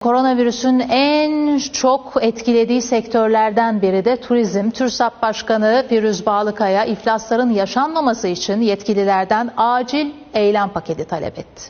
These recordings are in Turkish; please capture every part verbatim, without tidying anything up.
Koronavirüsün en çok etkilediği sektörlerden biri de turizm. TÜRSAP Başkanı Firuz Bağlıkaya iflasların yaşanmaması için yetkililerden acil eylem paketi talep etti.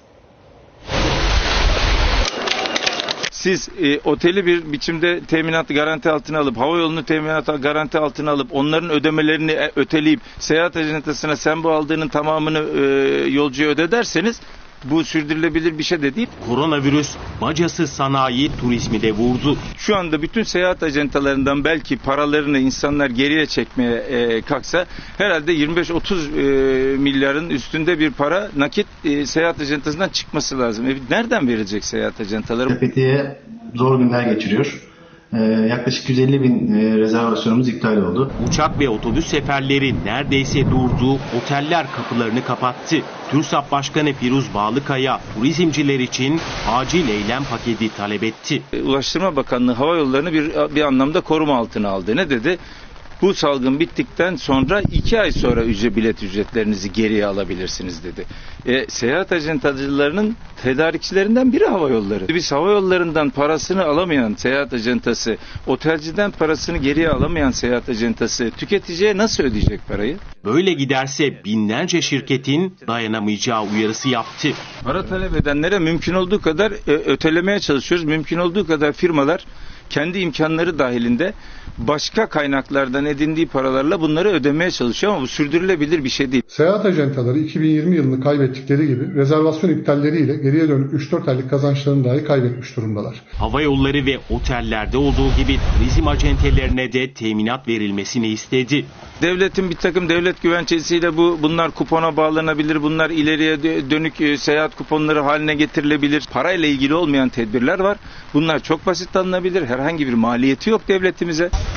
Siz e, oteli bir biçimde teminat garanti altına alıp, havayolunu teminat garanti altına alıp, onların ödemelerini e, öteleyip, seyahat ajantasına sen bu aldığının tamamını e, yolcuya öde derseniz, bu sürdürülebilir bir şey de değil. Koronavirüs bacası sanayi turizmi de vurdu. Şu anda bütün seyahat ajantalarından belki paralarını insanlar geriye çekmeye e, kalksa herhalde yirmi beş otuz e, milyarın üstünde bir para nakit e, seyahat ajantasından çıkması lazım. E, nereden verilecek seyahat ajantaları? Fethiye zor günler geçiriyor. Ee, yaklaşık yüz elli bin e, rezervasyonumuz iptal oldu. Uçak ve otobüs seferleri neredeyse durdu, oteller kapılarını kapattı. TÜRSAP Başkanı Firuz Bağlıkaya turizmciler için acil eylem paketi talep etti. Ulaştırma Bakanlığı hava yollarını bir, bir anlamda koruma altına aldı. Ne dedi? Bu salgın bittikten sonra iki ay sonra ücret bilet ücretlerinizi geriye alabilirsiniz dedi. E, seyahat acentacılarının tedarikçilerinden biri hava yolları. Biz hava yollarından parasını alamayan seyahat acentası, otelciden parasını geriye alamayan seyahat acentası tüketiciye nasıl ödeyecek parayı? Böyle giderse binlerce şirketin dayanamayacağı uyarısı yaptı. Para talep edenlere mümkün olduğu kadar e, ötelemeye çalışıyoruz. Mümkün olduğu kadar firmalar kendi imkanları dahilinde başka kaynaklardan edindiği paralarla bunları ödemeye çalışıyor ama bu sürdürülebilir bir şey değil. Seyahat ajantaları iki bin yirmi yılını kaybettikleri gibi rezervasyon iptalleriyle geriye dönük üç dört aylık kazançlarını dahi kaybetmiş durumdalar. Hava yolları ve otellerde olduğu gibi turizm acentelerine de teminat verilmesini istedi. Devletin bir takım devlet güvencesiyle bu bunlar kupona bağlanabilir, bunlar ileriye dönük e, seyahat kuponları haline getirilebilir. Parayla ilgili olmayan tedbirler var. Bunlar çok basit alınabilir. Herhangi bir maliyeti yok devletimize.